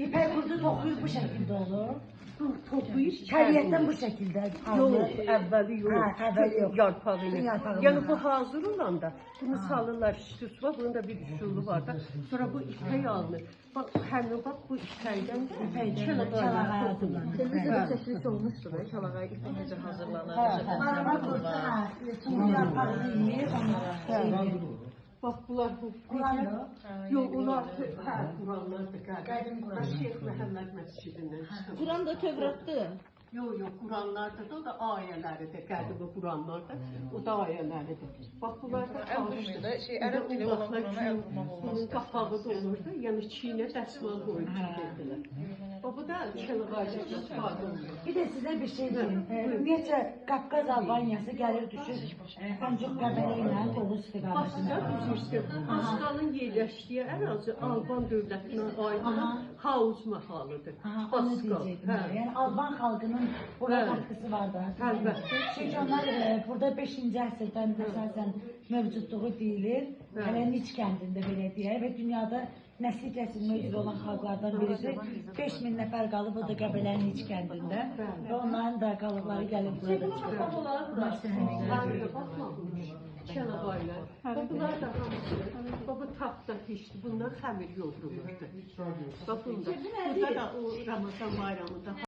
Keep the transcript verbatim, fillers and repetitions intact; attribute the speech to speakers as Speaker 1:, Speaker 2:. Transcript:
Speaker 1: İpek kurdu tokuyup bu şekilde olur.
Speaker 2: Toplayıb
Speaker 1: Təbiətdən bu şəkildə
Speaker 2: Yox,
Speaker 1: alınır.
Speaker 2: əvvəli yox.
Speaker 1: Hə, əvvəli yox.
Speaker 2: Yarpağı yox.
Speaker 1: Yarpağı
Speaker 2: Yəni
Speaker 1: yox.
Speaker 2: bu hazır olanda bunu salırlar üstüsü var. Bunun da bir üsulu var da. Sonra bu ipək alınır. Bak həmin bak bu ipəkdən
Speaker 1: Çalağa
Speaker 2: toxunur.
Speaker 3: Televizorda çəkiliş olmuşdur da, çalağa ipək necə hazırlanır,
Speaker 1: Hə,
Speaker 3: necə
Speaker 1: arama kurdu, hə, şimdi yarpağını yiyir, onlara şey
Speaker 2: Bax bunlar bu.
Speaker 1: Quran o.
Speaker 2: Yox, onlar hə, Quranlardır qədim.
Speaker 1: Qədim Quran.
Speaker 2: Şeyx Məhəmməd məscidindən çıxıb.
Speaker 3: Quran da Tövratdır.
Speaker 2: Yox, yox, Quranlardır da, o da ayələridir, qədim Quranlardır. O da ayələridir. Bax bunlar da
Speaker 3: vurmayın da, şey, ərəb dili olan Qurana əl vurmaq olmaz.
Speaker 2: Bunun qapağı da olurdu, yəni çiynə dəsmal qoyub çəkildilər. Bax bu da Çılğacı istifadə olunur.
Speaker 1: Bir de size bir şey diyeyim. Ee, Ümumiyyətlə Qafqaz Albaniyası gəlir düşür ancaq Qəbələ ilə Oğuz istiqamətində.
Speaker 2: Baxsa üzrüstü, Paskalın yerləşdiyi ərazi Alban dövlətinə aid olan Hauz mahalıdır.
Speaker 1: Aha, onu
Speaker 2: Paskal.
Speaker 1: diyecektim.
Speaker 2: Hə.
Speaker 1: Yani Alban halkının buna
Speaker 2: Hə.
Speaker 1: katkısı var da.
Speaker 2: Əlbəttə.
Speaker 1: Çünkü onlar e, burada beşinci əsrdən əsasən mövcudluğu deyilir.
Speaker 2: Hə.
Speaker 1: Hələ Niç kəndində belə deyək və dünyada nəsli kəsilmə üzrə olan xalqlardan birisi. beş min nəfər qalıb o da Qəbələnin Niç kəndində və onların da qalıqları gəlib burada çıxır.
Speaker 2: Bunlar da baxmamış. Çalabaylar. Bunlar da hamısı. Baba tapda pişdi. Bunlar xəmir yoğrulurdu. Bax bunda. Burada da o Ramazan bayramında